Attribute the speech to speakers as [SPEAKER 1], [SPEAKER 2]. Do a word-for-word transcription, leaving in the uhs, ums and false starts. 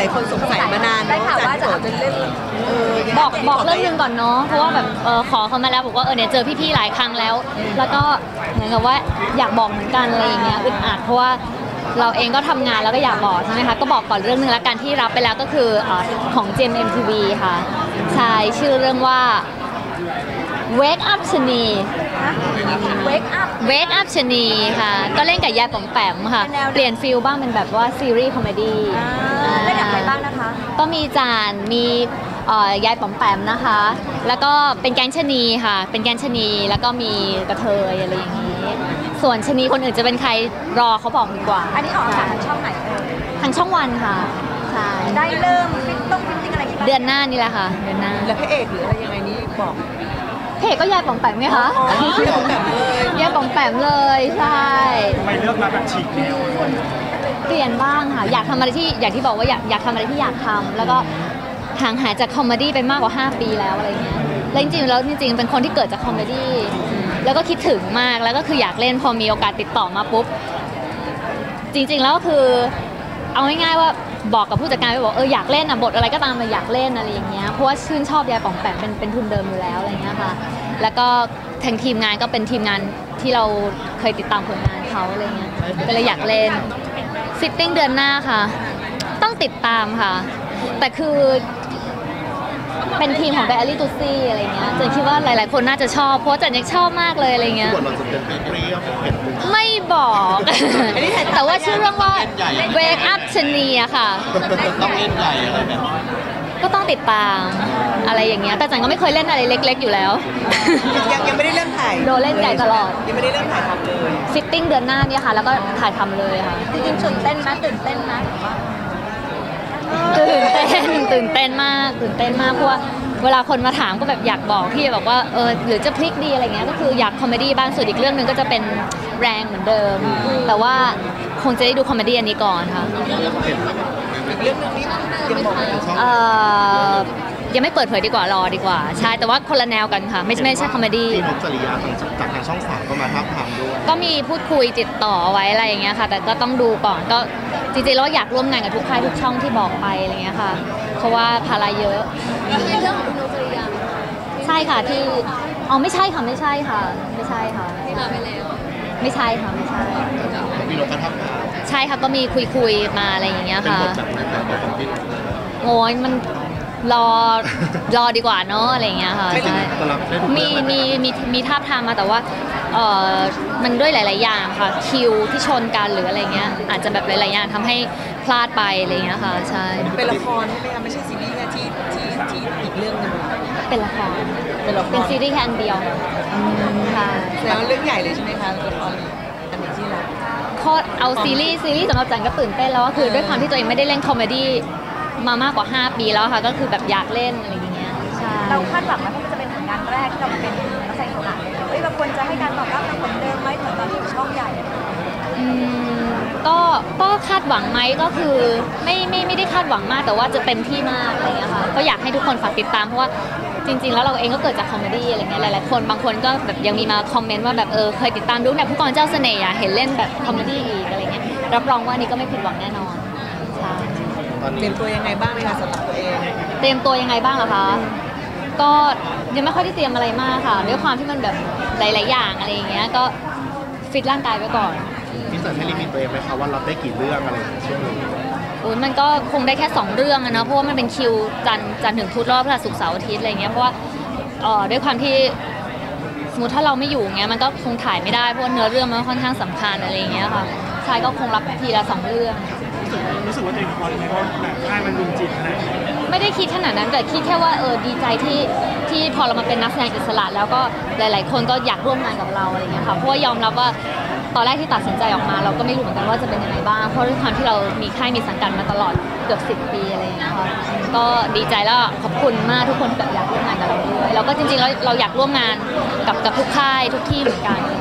[SPEAKER 1] ายคนสงสัยมานานได้ข่าวว่าจะจะเล่น
[SPEAKER 2] บอกบอกเรื่องนึงก่อนเนาะเพราะว่าแบบเออขอเขามาแล้วบอกว่าเออเนี่ยเจอพี่ๆหลายครั้งแล้ว แล้วก็เหมือนกับว่าอยากบอกเหมือนกันอะไรอย่างเงี้ยอึดอัดเพราะว่าเราเองก็ทำงานแล้วก็อยากบอกใช่ไหมคะก็บอกก่อนเรื่องนึงแล้วกันที่รับไปแล้วก็คือของเจม เอ็ม ที วี ค่ะใช่ชื่อเรื่องว่า Wake Up ชนี
[SPEAKER 3] Wake Up
[SPEAKER 2] Wake Up ชนีค่ะก็เล่นกับยายป๋อมแปมค่ะเปลี่ยนฟิลบ้างเป็นแบบว่าซีรีส์คอมเมดี้
[SPEAKER 3] เล่นกับใครบ้างนะคะ
[SPEAKER 2] ก็มีจานมียายป๋อมแปมนะคะแล้วก็เป็นแก๊งชนีค่ะเป็นแก๊งชนีแล้วก็มีกระเทยอะไรอย่างนี้ส่วนชนีคนอื่นจะเป็นใครรอเขาบอกดีกว่า
[SPEAKER 3] อันนี้ออกทางช่องไหนเอ่ย
[SPEAKER 2] ทางช่องวันค่ะใช่
[SPEAKER 3] ได้เริ่มฟิตต้องฟิตติ้งอะไรกัน
[SPEAKER 2] เดือนหน้านี่แหละค่ะเดือนหน้า
[SPEAKER 1] แล้วพระเอกหรืออะไรยังไงนี่บอก
[SPEAKER 2] พระเอกก็ยายป๋อมแปมไงคะยายป๋อมแปมเลยใช่
[SPEAKER 4] ทำไมเลือกมาแบบฉีกแนว
[SPEAKER 2] เปลี่ยนบ้างค่ะอยากทำอะไรที่อย่างที่บอกว่าอยากอยากทำอะไรที่อยากทำแล้วก็ห่างหายจากคอมเมดี้ไปมากกว่าห้าปีแล้วอะไรเงี้ยแล้วจริงๆแล้วจริงๆเป็นคนที่เกิดจากคอมเมดี้แล้วก็คิดถึงมากแล้วก็คืออยากเล่นพอมีโอกาสติดต่อมาปุ๊บจริงๆแล้วก็คือเอาง่ายๆว่าบอกกับผู้จัดการไปบอกเอออยากเล่นอ่ะบทอะไรก็ตามมาอยากเล่นอะไรอย่างเงี้ยเพราะว่าชื่นชอบยายป๋อมแปมเป็นเป็นทุนเดิมอยู่แล้วอะไรเงี้ยค่ะแล้วก็ทางทีมงานก็เป็นทีมงานที่เราเคยติดตามผลงานเขาอะไรเงี้ยก็เลยอยากเล่นฟิตติ้งเดือนหน้าค่ะต้องติดตามค่ะแต่คือเป็นทีมของไดอารี่ตูซี่อะไรเงี้ยเจนคิดว่าหลายๆคนน่าจะชอบเพราะจันยังชอบมากเลยอะไรเงี้ยไม่บอกแต่ว่าชื่อเรื่องว่า Wake Up ชนีอะค่ะ
[SPEAKER 5] ต้องเล่นใหญ่อะไรแบบ
[SPEAKER 2] ก็ต้องติดตามอะไรอย่างเงี้ยแต่จันก็ไม่เคยเล่นอะไรเล็กๆอยู่แล้ว
[SPEAKER 1] ยังยังไม่ได้เริ่มถ่าย
[SPEAKER 2] โดนเล่นใหญ่ตลอด
[SPEAKER 1] ยังไม่ได้เริ่มถ่ายทำเลย
[SPEAKER 2] ฟิตติ้งเดือนหน้าเนี่ยค่ะแล้วก็ถ่ายทำเลยค่ะ
[SPEAKER 3] จริงๆตื่นเต้นนะตื่นเต้นนะ
[SPEAKER 2] ตื่นเต้นตื่นเต้นมากตื่นเต้นมากเพราะว่าเวลาคนมาถามก็แบบอยากบอกพี่บอกว่าเออหรือจะพลิกดีอะไรเงี้ยก็คืออยากคอมเมดี้บ้างส่วนอีกเรื่องหนึ่งก็จะเป็นแรงเหมือนเดิมแต่ว่าคงจะได้ดูคอมเมดี้อันนี้ก่อนค่ะ
[SPEAKER 1] เรื่องนึงนี่ยังบอก
[SPEAKER 2] เอ่อยังไม่เปิดเผยดีกว่ารอดีกว่าใช่แต่ว่าคนละแนวกันค่ะไม่ไม่ใช่คอมเมดี้
[SPEAKER 5] ที่นกจริยาจากทางช่องสามก็มาท้าทามด้วย
[SPEAKER 2] ก็มีพูดคุยติดต่อไว้อะไรอย่างเงี้ยค่ะแต่ก็ต้องดูก่อนก็จริงๆแล้วอยากร่วมงานกับทุกค่ายทุกช่องที่บอกไปอะไรเงี้ยค่ะเพราะว่าภาระเยอะเรื่องของนกจริยาใช่ค่ะที่อ๋อไม่ใช่ค่ะไม่ใช่ค่ะไม่ใช่ค่ะที่มาไปแล้วไม่ใช่ค่ะไม่ใช่
[SPEAKER 5] มีนกกระทับ
[SPEAKER 2] ใช่ค่ะก็มีคุยคุยมาอะไรอย่างเงี้ยค่ะโอ้ยมันรอรอดีกว่าเนาะอะไรอย่างเงี้ยค่ะใช่มีมีมีมีท่าทางมาแต่ว่าเออมันด้วยหลายๆอย่างค่ะคิวที่ชนกันหรืออะไรเงี้ยอาจจะแบบหลายๆอย่างทำให้พลาดไปอะไรเงี้ยค่ะใช่
[SPEAKER 1] เป็นละครใช่ไหมคะไม่ใช่ซีรีส์แค่ที่ที่ที่อีกเรื่องนึง
[SPEAKER 2] เป็นละครเป็นละครเป็นซีรีส์แค่อันเดียวค่ะ
[SPEAKER 1] แล้วเรื่องใหญ่เลยใช่ไหมคะละครอันนี้ที่เรา
[SPEAKER 2] โคตรเอาซีรีส์ซีรีส์สำหรับจันก็ตื่นเต้นแล้วก็คือด้วยความที่ตัวเองไม่ได้เล่นคอมเมดี้มามากกว่าห้าปีแล้วค่ะก็คือแบบอยากเล่นอะไรอย่างเงี้ยใช่
[SPEAKER 3] เราคาดหวังว่ามันจะเป็นผลงานแรกที่เราเป็นนักแสดงอิสระเฮ้ยเราควรจะให้การตอบรับเหมือนเดิมไหมเหมือนตอนที่ช่องใหญ่
[SPEAKER 2] อืมก็ก็คาดหวังไหมก็คือไม่ไม่ไม่ได้คาดหวังมากแต่ว่าจะเต็มที่มากอะไรเงี้ยค่ะก็อยากให้ทุกคนฝากติดตามเพราะว่าจริงๆแล้วเราเองก็เกิดจากคอมเมดี้อะไรเงี้ยหลายๆคนบางคนก็แบบยังมีมาคอมเมนต์ว่าแบบเออเคยติดตามดูเนี่ยผู้กองเจ้าเสน่ห์เห็นเล่นแบบคอมเมดี้อีกอะไรเงี้ยรับรองว่านี่ก็ไม่ผิดหวังแน่นอนใช่
[SPEAKER 1] เตรียมตัวยังไงบ้างไหมคะสำหรับตัวเอง
[SPEAKER 2] เตรียมตัวยังไงบ้างเหรอคะก็ยังไม่ค่อยได้เตรียมอะไรมากค่ะด้วยความที่มันแบบหลายๆอย่างอะไรอย่างเงี้ยก็ฟิตร่างกายไว้ก่อน
[SPEAKER 5] พี่เสิร์ฟให้ลิมิตตัวเองไหมคะว่ารับได้กี่เรื่องอะไรช่วงนี้
[SPEAKER 2] อุ้ยมันก็คงได้แค่สองเรื่องนะเพราะว่ามันเป็นคิวจันจันถึงพุธรอบพฤหัสศุกร์เสาร์อาทิตย์อะไรเงี้ยเพราะว่าเอ่อด้วยความที่สมมติถ้าเราไม่อยู่เงี้ยมันก็คงถ่ายไม่ได้เพราะเนื้อเรื่องมันค่อนข้างสำคัญอะไรเงี้ยค่ะชายก็คงรับทีละสองเรื่อง
[SPEAKER 4] รู้สึกว่าตัวเองพอไหมว่าแบบค่ายมันรุมจิตขนาดนี้
[SPEAKER 2] ไม่ได้คิดขนาดนั้นแต่คิดแค่ว่าเออดีใจที่ที่พอเรามาเป็นนักแสดงอิสระแล้วก็หลายๆคนก็อยากร่วมงานกับเราอะไรเงี้ยค่ะเพราะว่ายอมรับว่าตอนแรกที่ตัดสินใจออกมาเราก็ไม่รู้เหมือนกันว่าจะเป็นยังไงบ้างเพราะด้วยความที่เรามีค่ายมีสังกัดมาตลอดเกือบสิบปีอะไรเงี้ยค่ะก็ดีใจแล้วขอบคุณมากทุกคนที่แบบอยากร่วมงานกับเราด้วยแล้วก็จริงๆแล้วเราอยากร่วมงานกับกับทุกค่ายทุกที่เหมือนกัน